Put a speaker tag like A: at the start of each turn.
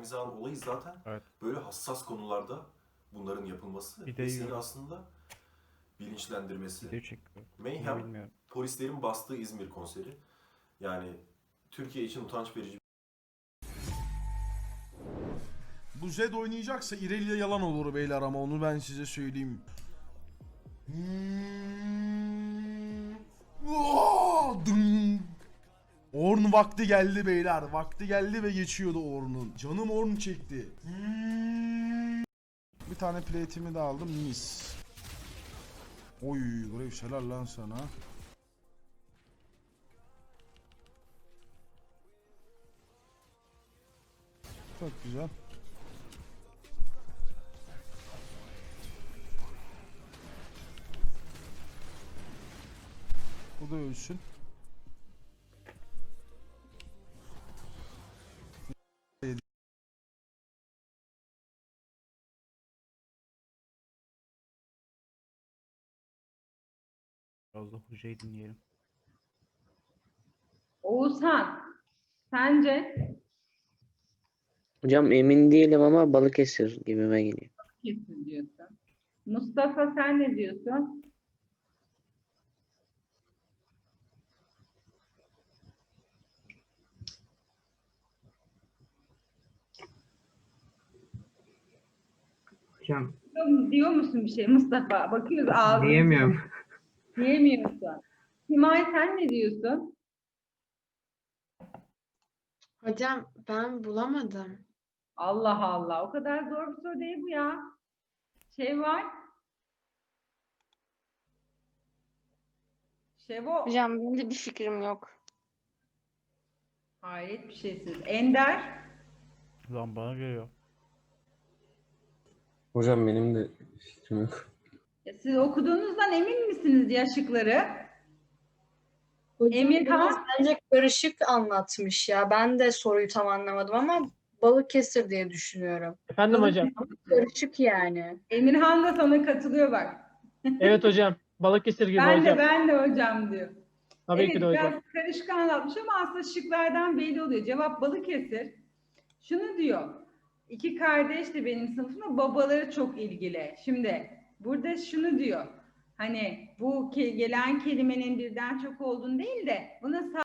A: Sermize Han olayı zaten
B: Evet.
A: böyle hassas konularda bunların yapılması
B: Bir de
A: ve seni
B: yiyorum.
A: aslında bilinçlendirmesi.
B: Video çekiyor. Niye
A: Mayhem,
B: bilmiyorum.
A: polislerin bastığı İzmir konseri. Yani Türkiye için utanç verici.
C: Bu Zed oynayacaksa İrelia yalan olur beyler ama onu ben size söyleyeyim. Orn vakti geldi beyler. Vakti geldi ve geçiyordu Orn'un. Canım Orn çekti. Bir tane plate'imi de aldım. Mis. Oy Graves helal lan sana. Çok güzel. Bu da ölsün.
B: Biraz da hocayı dinleyelim.
D: Oğuzhan, sence
E: Hocam emin değilim ama Balıkesir gibime geliyor.
D: kesin diyorsun. Mustafa sen ne diyorsun?
F: Hocam
D: Diyor musun bir şey Mustafa? Bakıyoruz ağzına.
F: diyemiyorum.
D: Diyemiyorsun. Simay sen ne diyorsun?
G: Hocam ben bulamadım.
D: Allah Allah. O kadar zor bir soru değil bu ya. Şey var. Şevo.
G: Hocam benim de bir fikrim yok.
D: Hayret bir şeysiz. Ender.
B: Lan bana geliyor.
H: Hocam benim de fikrim yok.
D: Siz okuduğunuzdan emin misiniz ya şıkları?
I: Hocam
D: Emirhan?
I: biraz bence karışık anlatmış ya. Ben de soruyu tam anlamadım ama Balıkesir diye düşünüyorum.
F: Efendim hocam.
I: Karışık yani.
D: Emirhan da sana katılıyor bak.
F: Evet hocam. Balıkesir gibi
D: Ben
F: hocam.
D: de hocam diyor.
F: Tabii
D: Evet,
F: ki de hocam.
D: biraz karışık anlatmış ama aslında şıklardan belli oluyor. Cevap Balıkesir. Şunu diyor. İki kardeş de benim sınıfımda babaları çok ilgili. Şimdi burada şunu diyor. Hani bu gelen kelimenin birden çok olduğunu değil de buna